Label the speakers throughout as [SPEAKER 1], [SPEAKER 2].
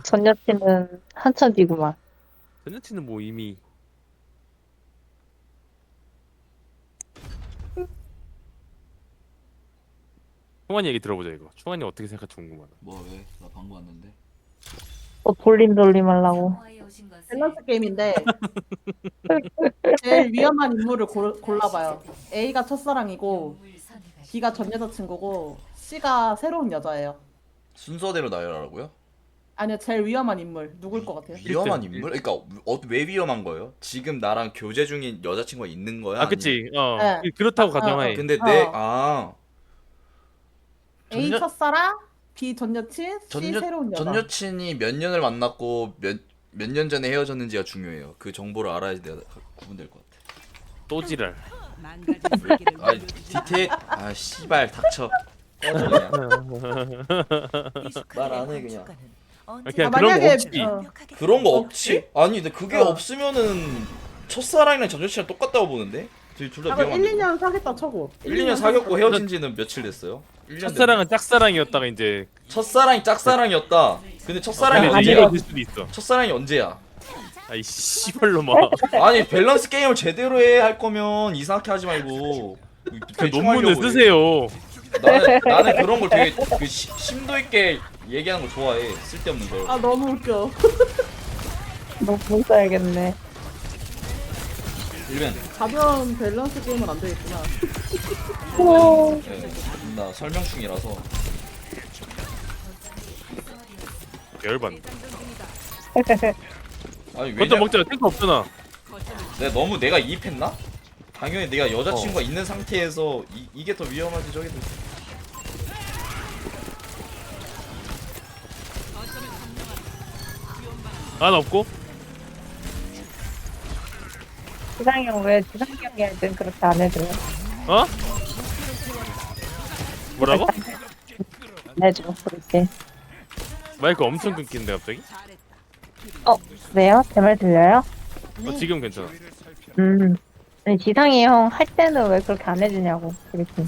[SPEAKER 1] 전 여친은 한참 뒤구만.
[SPEAKER 2] 전 여친은 뭐 이미 충환이 얘기 들어보자 이거. 충환이 어떻게 생각할지 궁금하다.
[SPEAKER 3] 뭐 왜? 나 방금 왔는데.
[SPEAKER 1] 또 돌림 하려고.
[SPEAKER 4] 밸런스 게임인데 제일 위험한 인물을 골라봐요. A가 첫사랑이고 B가 전 여자친구고 C가 새로운 여자예요.
[SPEAKER 3] 순서대로 나열하라고요?
[SPEAKER 4] 아니요, 제일 위험한 인물 누굴 것 같아요?
[SPEAKER 3] 위험한
[SPEAKER 2] 일등.
[SPEAKER 3] 인물? 그러니까 왜 위험한 거예요? 지금 나랑 교제 중인 여자친구가 있는 거야?
[SPEAKER 2] 아 그치.
[SPEAKER 4] 네.
[SPEAKER 2] 그렇다고
[SPEAKER 4] 아,
[SPEAKER 2] 가정하에.
[SPEAKER 3] 근데
[SPEAKER 4] A
[SPEAKER 3] 전
[SPEAKER 4] 첫사랑, B 전 여친, C 새로운 여자.
[SPEAKER 3] 전 여친이 몇 년을 만났고 몇 년 전에 헤어졌는지가 중요해요. 그 정보를 알아야 내가 구분될 것 같아.
[SPEAKER 2] 또 지랄.
[SPEAKER 3] 아 디테일 아 씨발 닥쳐. 꺼져 그냥. 말 안 해 그냥.
[SPEAKER 2] 그냥
[SPEAKER 4] 아,
[SPEAKER 2] 그런 거
[SPEAKER 4] 만약에,
[SPEAKER 2] 없지.
[SPEAKER 3] 그런 거 없지? 아니 근데 그게 없으면은 첫사랑이랑 전 여친이랑 똑같다고 보는데? 둘다
[SPEAKER 4] 그럼 1,
[SPEAKER 3] 위험한데.
[SPEAKER 4] 2년 사겠다 쳐고.
[SPEAKER 3] 1, 2년 사귀었고 헤어진 지는 며칠 됐어요? 1년
[SPEAKER 2] 첫사랑은 짝사랑이었다가 이제
[SPEAKER 3] 첫사랑이 짝사랑이었다. 근데 첫사랑이
[SPEAKER 2] 그러면 이제
[SPEAKER 3] 언제야?
[SPEAKER 2] 헤어질 수도 있어.
[SPEAKER 3] 첫사랑이 언제야?
[SPEAKER 2] 아이 씨발로 막.
[SPEAKER 3] 아니 밸런스 게임을 제대로 해 할 거면 이상하게 하지 말고 대충
[SPEAKER 2] 논문을
[SPEAKER 3] 하려고 해.
[SPEAKER 2] 쓰세요.
[SPEAKER 3] 나는 그런 걸 되게 심도 있게 얘기하는 걸 좋아해. 쓸데없는 걸.
[SPEAKER 4] 아 너무 웃겨.
[SPEAKER 1] 너못 써야겠네.
[SPEAKER 3] 일면
[SPEAKER 4] 가벼운 밸런스 게임은 안 되겠구나.
[SPEAKER 3] 예, 나 설명 중이라서.
[SPEAKER 2] 열반.
[SPEAKER 3] 아니
[SPEAKER 2] 먼저
[SPEAKER 3] 왜냐?
[SPEAKER 2] 먹자. 탱크 없잖아.
[SPEAKER 3] 내가 이입했나? 당연히 내가 여자친구가 있는 상태에서 이게 더 위험하지 저게 더.
[SPEAKER 2] 안 없고.
[SPEAKER 1] 지상이 형 왜 지상이 형이 할 땐 그렇게 안 해줘요?
[SPEAKER 2] 어? 뭐라고?
[SPEAKER 1] 안 해줘, 그렇게.
[SPEAKER 2] 마이크 엄청 끊기는데 갑자기?
[SPEAKER 1] 왜요? 제 말 들려요?
[SPEAKER 2] 지금 괜찮아.
[SPEAKER 1] 아니, 지상이 형 할 때는 왜 그렇게 안 해주냐고, 그렇게.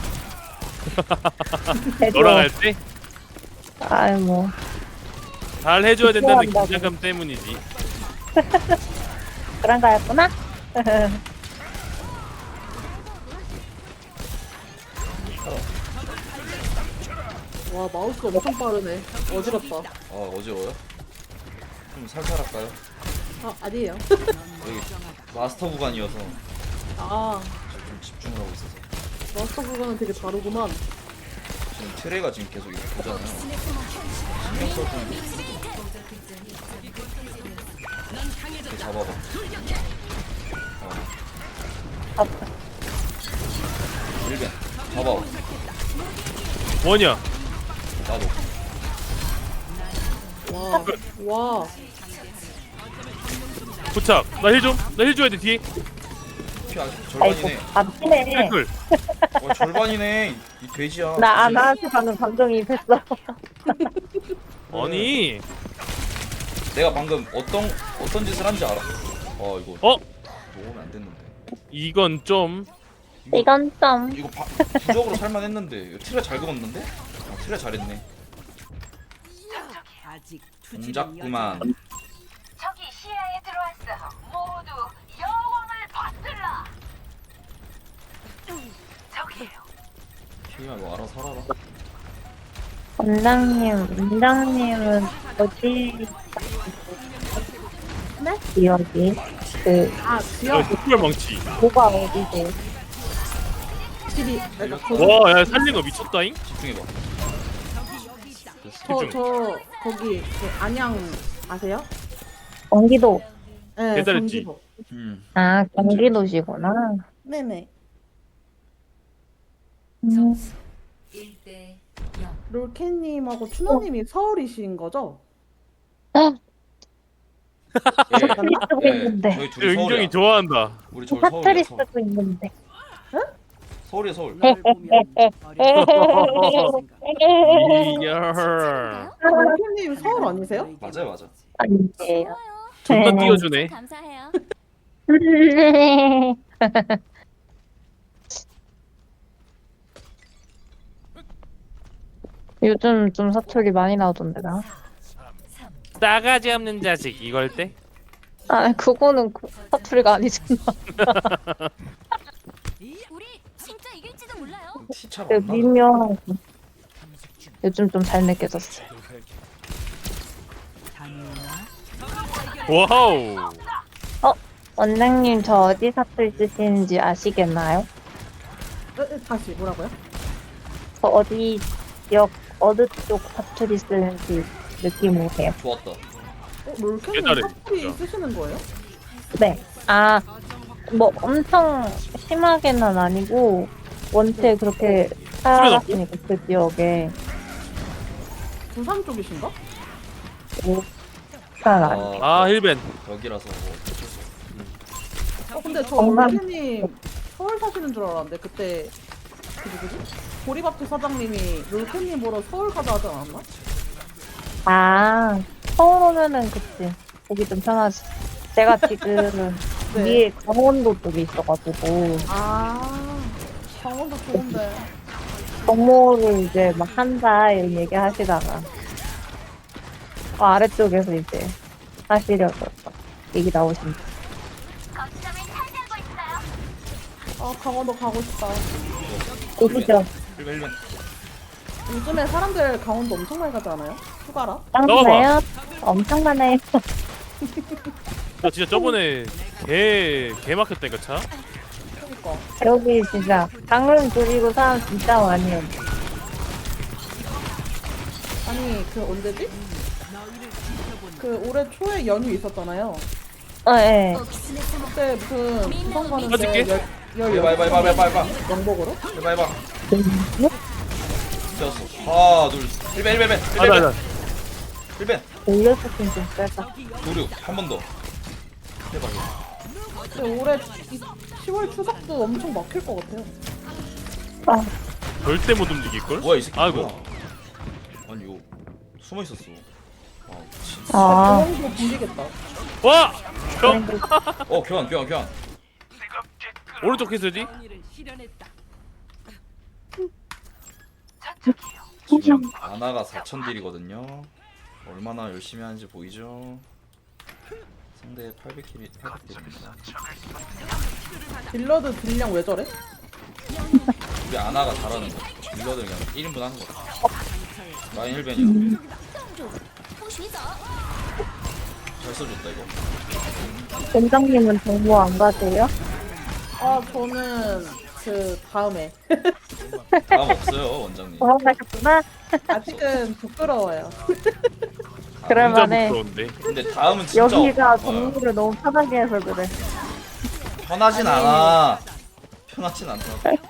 [SPEAKER 1] 해줘.
[SPEAKER 2] 너랑 할 때?
[SPEAKER 1] 아이, 뭐.
[SPEAKER 2] 잘 해줘야 된다는
[SPEAKER 1] 필요한다고.
[SPEAKER 2] 긴장감 때문이지.
[SPEAKER 1] 그런 거였구나?
[SPEAKER 4] 와 마우스가 엄청 빠르네. 어지럽다.
[SPEAKER 3] 아 어지러워요? 좀 살살 할까요?
[SPEAKER 4] 아 아니에요.
[SPEAKER 3] 여기 마스터 구간이어서
[SPEAKER 4] 아
[SPEAKER 3] 좀 집중을 하고 있어서.
[SPEAKER 4] 마스터 구간은 되게 다르구만.
[SPEAKER 3] 지금 트레가 지금 계속 이렇게 보잖아요. 신경 써주는 게 이렇게 잡아봐. 일변 잡아.
[SPEAKER 2] 뭐냐?
[SPEAKER 3] 나도.
[SPEAKER 4] 와
[SPEAKER 2] 부착. 나 힐 좀. 나 힐 줘야 돼 뒤에.
[SPEAKER 3] 피 아직
[SPEAKER 1] 아이고,
[SPEAKER 3] 절반이네.
[SPEAKER 1] 안 피네.
[SPEAKER 2] 탱클.
[SPEAKER 3] 절반이네. 이 돼지야.
[SPEAKER 1] 나한테 방금 감정이입했어.
[SPEAKER 2] 아니.
[SPEAKER 3] 내가 방금 어떤 짓을 한지 알아? 이거
[SPEAKER 2] 어?
[SPEAKER 3] 먹으면 안 됐는데.
[SPEAKER 2] 이건 좀.
[SPEAKER 1] 이건 좀.
[SPEAKER 3] 이거 부적으로 살만했는데. 이거 트레 잘 그었는데? 트레 잘했네. 동작구만.
[SPEAKER 5] 적이 시야에 들어왔어. 모두 여왕을 받들라. 저기에요.
[SPEAKER 3] 피야 너 알아서 살아라.
[SPEAKER 1] 원장님은 어디? 네? 지역이?
[SPEAKER 4] 지역
[SPEAKER 2] 특별 망치.
[SPEAKER 1] 뭐가 어디지?
[SPEAKER 4] 확실히 그러니까 거기
[SPEAKER 2] 와, 야 살린 거 미쳤다잉.
[SPEAKER 3] 집중해봐.
[SPEAKER 4] 저 거기 그 안양 아세요?
[SPEAKER 1] 경기도.
[SPEAKER 4] 네,
[SPEAKER 2] 배달했지.
[SPEAKER 4] 경기도.
[SPEAKER 1] 아, 경기도시구나.
[SPEAKER 4] 네네.
[SPEAKER 1] 음,
[SPEAKER 4] 롤캣님하고 춘호님이 서울이신 거죠?
[SPEAKER 1] 사투리 쓰고 있는데.
[SPEAKER 3] 저희 둘이 서울이야.
[SPEAKER 2] 은경이 좋아한다.
[SPEAKER 3] 우리 저희 서울이야.
[SPEAKER 1] 사투리
[SPEAKER 3] 서울.
[SPEAKER 1] 쓰고 있는데.
[SPEAKER 3] 서울이야 서울.
[SPEAKER 2] 이야.
[SPEAKER 4] 롤캣님 서울 아니세요?
[SPEAKER 3] 맞아요 맞아.
[SPEAKER 1] 아니에요.
[SPEAKER 2] 존나 띄워주네.
[SPEAKER 5] 감사해요.
[SPEAKER 1] 요즘 좀 사투리 많이 나오던데, 나.
[SPEAKER 2] 싸가지 없는 자식 이걸 때?
[SPEAKER 1] 아, 그거는 사투리가 아니잖아.
[SPEAKER 5] 우리 진짜 이길지도 몰라요.
[SPEAKER 3] 티차
[SPEAKER 1] 그
[SPEAKER 3] 맞나?
[SPEAKER 1] 미묘하고. 요즘 좀 잘 느껴졌어.
[SPEAKER 2] 와우.
[SPEAKER 1] 원장님, 저 어디 사투리 쓰시는지 아시겠나요?
[SPEAKER 4] 다시 뭐라고요?
[SPEAKER 1] 저 어디 지역, 어느 쪽 사투리 쓰는지 느낌 오세요?
[SPEAKER 3] 좋았다.
[SPEAKER 4] 롤캔님
[SPEAKER 2] 깨달음,
[SPEAKER 4] 사투리
[SPEAKER 2] 진짜.
[SPEAKER 4] 쓰시는 거예요?
[SPEAKER 1] 네. 아, 뭐 엄청 심하게는 아니고, 원체 그렇게 살아갔으니까 그 지역에.
[SPEAKER 4] 부산 쪽이신가?
[SPEAKER 1] 잘 아니.
[SPEAKER 2] 아 힐벤.
[SPEAKER 3] 여기라서 뭐 어쩔 수 없어.
[SPEAKER 4] 근데 저
[SPEAKER 1] 정말-
[SPEAKER 4] 롤캔님 서울 사시는 줄 알았는데 그때 그 누구지? 보리밥집 사장님이 롤캔님 보러 서울 가자 하지 않았나?
[SPEAKER 1] 아, 서울 오면은 그치. 보기 좀 편하지. 제가 지금
[SPEAKER 4] 네.
[SPEAKER 1] 위에 강원도 쪽에 있어가지고,
[SPEAKER 4] 아 강원도 좋은데.
[SPEAKER 1] 정모를 이제 막 한다 이런 얘기 하시다가, 아래쪽에서 이제 하시려고 얘기 나오신다.
[SPEAKER 5] 거점을 차지하고 있어요.
[SPEAKER 4] 아 강원도 가고 싶다.
[SPEAKER 1] 오시죠.
[SPEAKER 3] 1번.
[SPEAKER 4] 요즘에 사람들 강원도 엄청 많이 가지 않아요? 휴가라?
[SPEAKER 1] 짱나요? 엄청 많아요.
[SPEAKER 2] 나 진짜 저번에 개 막혔다니까 차.
[SPEAKER 4] 그러니까.
[SPEAKER 1] 여기 진짜 강릉 그리고 사람 진짜 많이 해요.
[SPEAKER 4] 아니 그 언제지? 그 올해 초에 연휴 있었잖아요.
[SPEAKER 1] 예.
[SPEAKER 4] 그때 무슨 부산
[SPEAKER 2] 어저께?
[SPEAKER 4] 가는데
[SPEAKER 3] 해봐.
[SPEAKER 4] 영복으로?
[SPEAKER 3] 해봐. 되었어. 하나, 둘, 1번.
[SPEAKER 2] 아나
[SPEAKER 3] 1번.
[SPEAKER 1] 올려서긴 좀 빼다.
[SPEAKER 3] 도륙 한 번 더. 해봐.
[SPEAKER 4] 근데 올해 10월 추석도 엄청 막힐 것 같아요.
[SPEAKER 1] 아,
[SPEAKER 2] 절대 못 움직일 걸.
[SPEAKER 3] 뭐야 이 새끼.
[SPEAKER 2] 아이고.
[SPEAKER 3] 뭐야. 아니 이거 숨어 있었어. 아, 미친.
[SPEAKER 1] 아,
[SPEAKER 4] 조영도 불리겠다.
[SPEAKER 2] 와. 형
[SPEAKER 3] 교환.
[SPEAKER 2] 오른쪽 키스지?
[SPEAKER 3] 지금 아나가 4,000딜이거든요. 얼마나 열심히 하는지 보이죠? 상대 800딜입니다.
[SPEAKER 4] 딜러드 딜량 왜 저래?
[SPEAKER 3] 우리 아나가 잘하는 거. 딜러들 그냥 1인분 하는 거. 라인 힐벤이야. 잘 써줬다 이거.
[SPEAKER 1] 원장님은 정보 안 가세요?
[SPEAKER 4] 아 저는 그 다음에
[SPEAKER 3] 다음 없어요 원장님.
[SPEAKER 1] 돌아가셨구나?
[SPEAKER 4] 아직은 부끄러워요.
[SPEAKER 1] 그럴만해.
[SPEAKER 2] 진짜 부끄러운데.
[SPEAKER 3] 근데 다음은 진짜
[SPEAKER 1] 여기가
[SPEAKER 3] 없-
[SPEAKER 1] 정보를 너무 편하게 해서 그래.
[SPEAKER 3] 편하진 않아. 편하진 않다.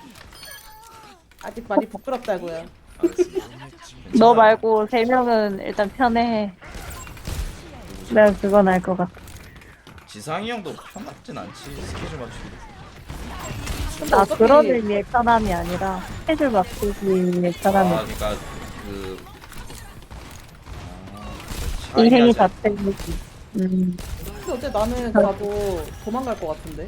[SPEAKER 4] 아직 많이 부끄럽다고요.
[SPEAKER 3] 알겠습니다.
[SPEAKER 1] 너
[SPEAKER 3] 괜찮아요.
[SPEAKER 1] 말고 3명은 일단 편해. 내가 그건 알 것 같아.
[SPEAKER 3] 지상이 형도 편하진 않지. 스케줄 맞추기.
[SPEAKER 4] 근데
[SPEAKER 1] 나
[SPEAKER 4] 어차피
[SPEAKER 1] 그런 의미의 편함이 아니라 스케줄 맞추기 위해 편함이.
[SPEAKER 3] 그러니까 그
[SPEAKER 1] 인생이
[SPEAKER 3] 다
[SPEAKER 1] 자체이지.
[SPEAKER 4] 근데 어째 나는 가도 도망갈 것 같은데.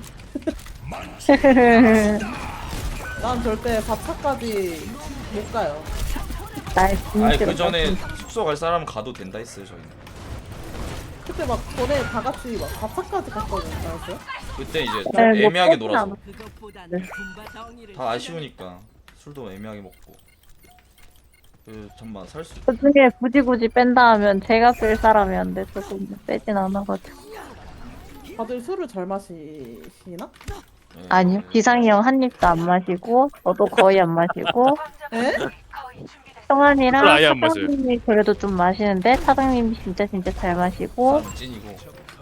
[SPEAKER 4] 난 절대 4차까지 못 가요.
[SPEAKER 1] 날
[SPEAKER 3] 아니
[SPEAKER 1] 진짜
[SPEAKER 3] 그 전에 숙소 갈 사람은 가도 된다 했어요 저희는.
[SPEAKER 4] 그때 막 전에 다 같이 막 4차까지 갔거든요. 알았어요?
[SPEAKER 3] 그때 이제
[SPEAKER 1] 네, 뭐
[SPEAKER 3] 애매하게
[SPEAKER 1] 그렇진
[SPEAKER 3] 놀아서
[SPEAKER 1] 않아.
[SPEAKER 3] 다 아쉬우니까 술도 애매하게 먹고. 그 잠만 살 수.
[SPEAKER 1] 그 중에 굳이 뺀다 하면 제가 쓸 사람이 안 돼서 좀 빼진 않아가지고.
[SPEAKER 4] 다들 술을 잘 마시나?
[SPEAKER 3] 네.
[SPEAKER 1] 아니요. 기상이 형 한 입도 안 마시고, 저도 거의 안 마시고,
[SPEAKER 4] 에?
[SPEAKER 5] 거의 준비됐어.
[SPEAKER 1] 성환이랑
[SPEAKER 2] 술 아예 안 마셔요.
[SPEAKER 1] 사장님이 그래도 좀 마시는데, 사장님이 진짜 잘 마시고,
[SPEAKER 3] 난 찐이고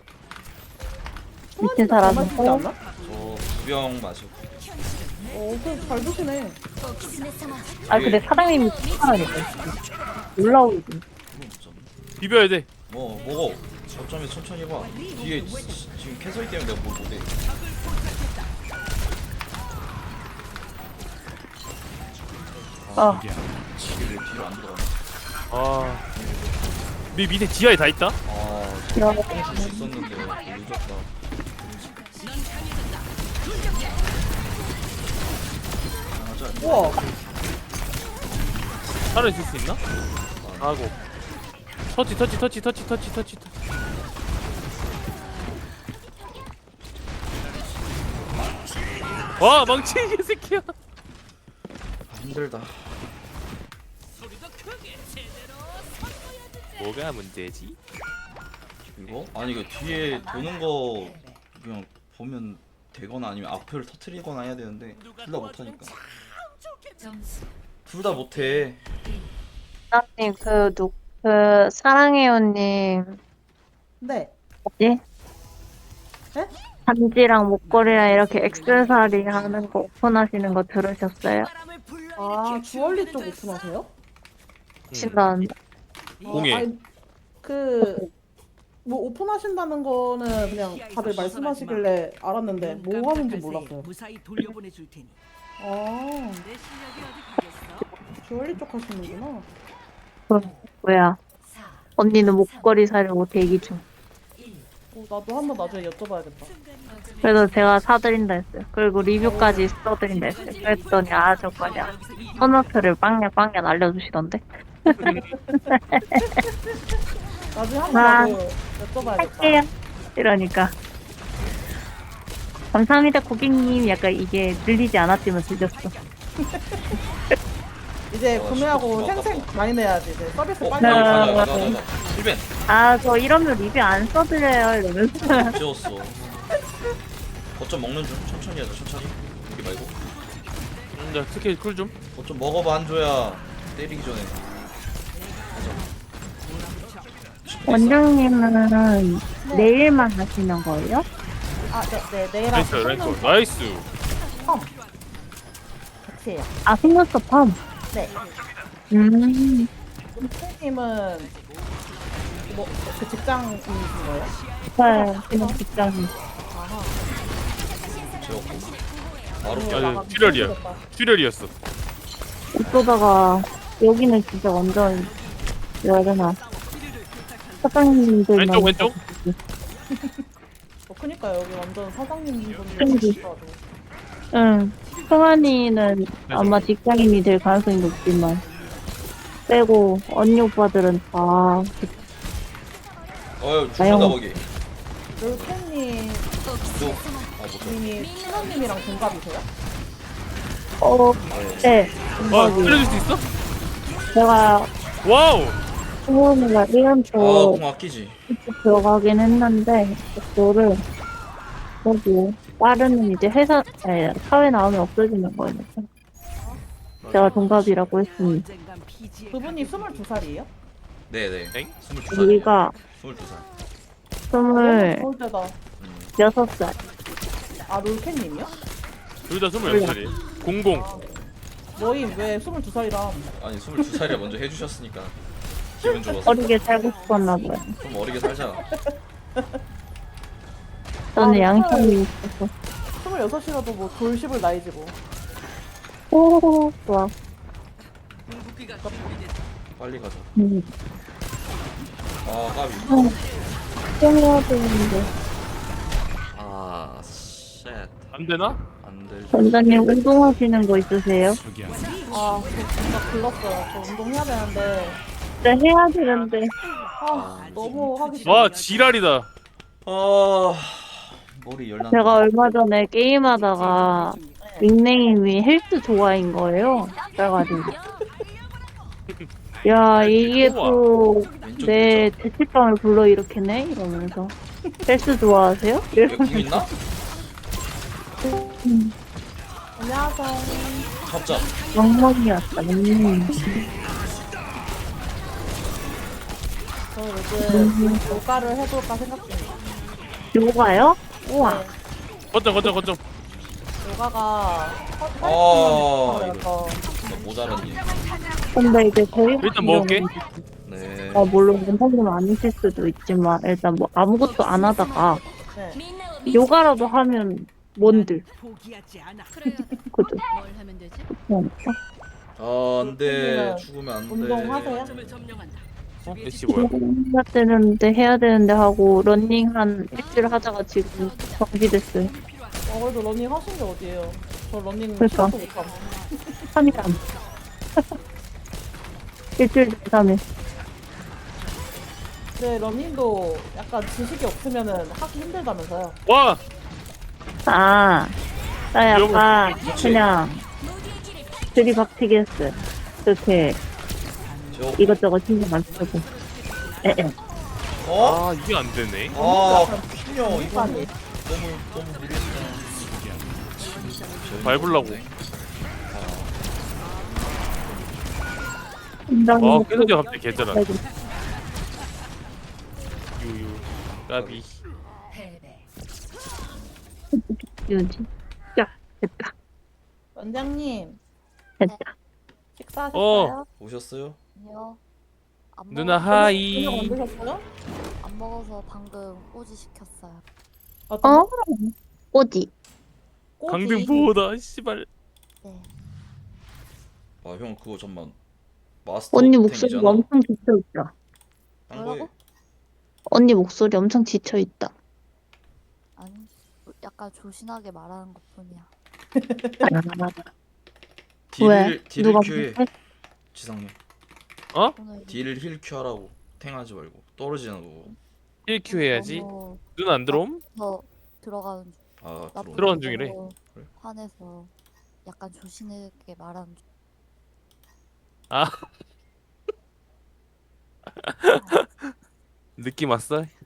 [SPEAKER 1] 미친
[SPEAKER 4] 잘
[SPEAKER 1] 사람은
[SPEAKER 4] 마시지
[SPEAKER 1] 또,
[SPEAKER 4] 않나?
[SPEAKER 3] 저 2병 마시고.
[SPEAKER 4] 그럼 잘 드시네.
[SPEAKER 1] 아, 근데 사장님이 사람이니까. 놀라우지.
[SPEAKER 3] 그건 없잖아.
[SPEAKER 2] 비벼야 돼.
[SPEAKER 3] 뭐 먹어. 저점에 천천히 봐. 뒤에 지금 캐서이 때문에 내가 뭘 못해.
[SPEAKER 1] 어,
[SPEAKER 3] 이게 왜 뒤로 안 들어가?
[SPEAKER 2] 아. 밑에 지하에 다 있다?
[SPEAKER 3] 아,
[SPEAKER 1] 이거
[SPEAKER 3] 뽕줄 수 있었는데 늦었다. 맞아.
[SPEAKER 4] 우와.
[SPEAKER 2] 차를 쓸 수 있나? 하고. 터치. 와 망치 이 새끼야.
[SPEAKER 3] 힘들다.
[SPEAKER 2] 뭐가 문제지?
[SPEAKER 3] 이거? 아니 이거 뒤에 도는 거 그냥 보면 되거나 아니면 앞을 터트리거나 해야 되는데 둘 다 못하니까. 둘 다 못해.
[SPEAKER 1] 나님 사랑해요님
[SPEAKER 4] 네.
[SPEAKER 1] 뭐지?
[SPEAKER 4] 네?
[SPEAKER 1] 반지랑 목걸이랑 이렇게 액세서리 하는 거 오픈하시는 거 들으셨어요?
[SPEAKER 4] 아 주얼리 쪽 오픈하세요?
[SPEAKER 1] 신나는데.
[SPEAKER 2] 공예.
[SPEAKER 4] 아니, 뭐 오픈하신다는 거는 그냥 다들 말씀하시길래 알았는데 뭐 하는지 몰랐어요.
[SPEAKER 6] 무사히 돌려보내줄 테니.
[SPEAKER 4] 아
[SPEAKER 6] 내 실력이 어디 가겠어?
[SPEAKER 4] 주얼리 쪽 하시는구나.
[SPEAKER 1] 뭐야? 언니는 목걸이 사려고 대기 중.
[SPEAKER 4] 나도 한번 나중에 여쭤봐야겠다.
[SPEAKER 1] 그래서 제가 사드린다 했어요. 그리고 리뷰까지 써드린다 했어요. 그랬더니 저 거냐 소노트를 빵야 알려주시던데.
[SPEAKER 4] 나중에 한번
[SPEAKER 1] 아,
[SPEAKER 4] 나도 여쭤봐야겠다.
[SPEAKER 1] 할게요. 이러니까 감사합니다 고객님. 약간 이게 들리지 않았지만 들렸어.
[SPEAKER 4] 이제 구매하고
[SPEAKER 3] 진짜
[SPEAKER 4] 생생 많이 내야지. 이제 서비스 빨리
[SPEAKER 1] 네.
[SPEAKER 3] 가자. 힐벤.
[SPEAKER 1] 저 이러면 리뷰 안 써드려요 이러면서.
[SPEAKER 3] 지웠어. 거점 먹는 중. 천천히 하자. 천천히. 여기 말고.
[SPEAKER 2] 자 스킬 쿨 좀.
[SPEAKER 3] 거점 먹어봐 한조야. 때리기 전에.
[SPEAKER 1] 원장님은 내일만 하시는 거예요?
[SPEAKER 4] 네, 내일
[SPEAKER 2] 나이스
[SPEAKER 4] 하고
[SPEAKER 2] 랭커 나이스.
[SPEAKER 4] 펌 같이 해요.
[SPEAKER 1] 속눈썹 펌.
[SPEAKER 4] 네. 선생님은 그 직장인이신 거예요?
[SPEAKER 1] 네, 그냥 직장인.
[SPEAKER 4] 아하.
[SPEAKER 3] 지웠고. 바로
[SPEAKER 2] 아 출혈이었어.
[SPEAKER 1] 어쩌다가 여기는 진짜 완전 뭐라 해야 되나 사장님들만
[SPEAKER 2] 왼쪽.
[SPEAKER 4] 그니까 여기 완전 사장님 분들
[SPEAKER 1] 그러지.
[SPEAKER 4] 계시더라고.
[SPEAKER 1] 응. 승환이는 아마 직장인이 될 가능성이 높지만 빼고 언니 오빠들은 다
[SPEAKER 3] 죽는다
[SPEAKER 1] 아유.
[SPEAKER 3] 거기.
[SPEAKER 4] 롤캔님
[SPEAKER 3] 못
[SPEAKER 4] 님이 신원님이랑 동갑이세요?
[SPEAKER 1] 네.
[SPEAKER 2] 살려줄 수 있어?
[SPEAKER 1] 제가
[SPEAKER 2] 와우.
[SPEAKER 1] 승환이가 1년초
[SPEAKER 3] 공 아끼지.
[SPEAKER 1] 들어가긴 했는데 그거를 거기 빠르는 이제 사회 나오면 없어지는 거니까 제가 동갑이라고 했습니다.
[SPEAKER 6] 언젠간 피지에
[SPEAKER 4] 그분이 22살이에요?
[SPEAKER 3] 네네.
[SPEAKER 2] 엥?
[SPEAKER 3] 22살.
[SPEAKER 1] 우리가
[SPEAKER 3] 22살.
[SPEAKER 4] 서울 때다.
[SPEAKER 1] 26살.
[SPEAKER 4] 롤캔님이요?
[SPEAKER 2] 둘 다 22살이. 공공.
[SPEAKER 4] 너희 왜 22살이랑
[SPEAKER 3] 아니 22살이라 먼저 해주셨으니까 기분 좋았어.
[SPEAKER 1] 어리게 살고 싶었나 봐요.
[SPEAKER 3] 좀 어리게 살자.
[SPEAKER 1] 저는 양심이 있어서
[SPEAKER 4] 26이라도 뭐 돌십을 나이지 뭐.
[SPEAKER 1] 오 좋아.
[SPEAKER 6] 궁극기가 준비됐다.
[SPEAKER 3] 빨리 가자.
[SPEAKER 1] 음.
[SPEAKER 3] 까비.
[SPEAKER 1] 해야 되는데
[SPEAKER 3] 쉣.
[SPEAKER 2] 안 되나?
[SPEAKER 3] 안 될.
[SPEAKER 1] 원장님 운동하시는 거 있으세요?
[SPEAKER 4] 저 진짜 글렀어요. 저 운동해야 되는데
[SPEAKER 1] 네 해야 되는데
[SPEAKER 4] 너무 하기 싫어.
[SPEAKER 2] 와 지랄이다.
[SPEAKER 3] 머리 열나.
[SPEAKER 1] 제가 얼마 전에 게임하다가 닉네임이 헬스 좋아인 거예요. 그래가지고 야 이게 또 내 죄책감을 불러일으키네 이러면서 헬스 좋아하세요?
[SPEAKER 3] 얘궁 있나?
[SPEAKER 4] 안녕하세요.
[SPEAKER 3] 잡자.
[SPEAKER 1] 멍멍이었다.
[SPEAKER 4] 저 요즘 요가를 해볼까 생각 중이에요.
[SPEAKER 1] 요가요? 우와.
[SPEAKER 2] 거점.
[SPEAKER 4] 요가가
[SPEAKER 3] 이거 모자랐니?
[SPEAKER 1] 근데 이제 저희
[SPEAKER 2] 일단 먹을게.
[SPEAKER 3] 네.
[SPEAKER 1] 물론 원장님 아니실 수도 있지만 일단 뭐 아무것도 안 하다가
[SPEAKER 4] 네.
[SPEAKER 1] 요가라도 하면 뭔들
[SPEAKER 6] 포기하지 않아.
[SPEAKER 1] 그죠?
[SPEAKER 5] 뭘 하면 되지?
[SPEAKER 1] 그러니까.
[SPEAKER 3] 안돼. 죽으면 안돼.
[SPEAKER 4] 운동하세요?
[SPEAKER 6] 점을 점령한다.
[SPEAKER 2] 애쉬 뭐야?
[SPEAKER 1] 해야 되는데 하고 러닝 한 일주일 하다가 지금 정지됐어요.
[SPEAKER 4] 그래도 러닝 하신 게 어디예요? 저 러닝
[SPEAKER 1] 그러니까.
[SPEAKER 4] 시간도 못함.
[SPEAKER 1] 3일 안. 일주일 3일.
[SPEAKER 4] 네, 러닝도 약간 지식이 없으면은 하기 힘들다면서요.
[SPEAKER 2] 와!
[SPEAKER 1] 아, 나 약간 그냥 들이박치기 했어요. 그렇게
[SPEAKER 3] 저
[SPEAKER 1] 이것저것 신경 안 쓰고. 에에.
[SPEAKER 3] 어?
[SPEAKER 2] 아 이게 안 되네.
[SPEAKER 3] 아 피녀 이거
[SPEAKER 4] 아니,
[SPEAKER 3] 너무 무리했다.
[SPEAKER 2] 밟으려고.
[SPEAKER 1] 인정이
[SPEAKER 2] 와 계속 갑자기 개잘하.
[SPEAKER 1] 아이고.
[SPEAKER 2] 유유. 까비.
[SPEAKER 1] 유지. 야, 됐다.
[SPEAKER 4] 원장님
[SPEAKER 1] 됐다.
[SPEAKER 4] 식사하셨어요?
[SPEAKER 3] 오셨어요?
[SPEAKER 7] 아니요. 안
[SPEAKER 2] 누나
[SPEAKER 7] 먹어서-
[SPEAKER 4] 저녁 안
[SPEAKER 2] 하이.
[SPEAKER 4] 드셨어요?
[SPEAKER 7] 안 먹어서 방금 꼬지 시켰어요.
[SPEAKER 4] 아, 또
[SPEAKER 1] 어?
[SPEAKER 4] 먹으라고.
[SPEAKER 1] 꼬지.
[SPEAKER 4] 꼬지.
[SPEAKER 2] 강등보다 씨발.
[SPEAKER 7] 네.
[SPEAKER 3] 아 형 그거 잠만 마스터
[SPEAKER 1] 언니 목소리
[SPEAKER 3] 템이잖아.
[SPEAKER 1] 엄청 지쳐있다.
[SPEAKER 3] 딴 거에
[SPEAKER 7] 뭐라고?
[SPEAKER 1] 언니 목소리 엄청 지쳐있다.
[SPEAKER 7] 아니, 약간 조신하게 말하는 것뿐이야.
[SPEAKER 1] 왜?
[SPEAKER 3] 딜을
[SPEAKER 1] 누가
[SPEAKER 3] 큐해.
[SPEAKER 1] 못해?
[SPEAKER 3] 지상님
[SPEAKER 7] 오늘
[SPEAKER 3] 딜을 힐 큐하라고. 탱하지 말고 떨어지는 거고.
[SPEAKER 2] 1Q 해야지.
[SPEAKER 7] 너무
[SPEAKER 2] 눈 안 들어옴?
[SPEAKER 7] 더 들어가는 중.
[SPEAKER 3] 아
[SPEAKER 7] 나
[SPEAKER 3] 들어오네.
[SPEAKER 2] 들어간 중이래.
[SPEAKER 7] 너무
[SPEAKER 3] 그래?
[SPEAKER 7] 화내서 약간 조신하게 말하는 중.
[SPEAKER 2] 아. 느낌 왔어?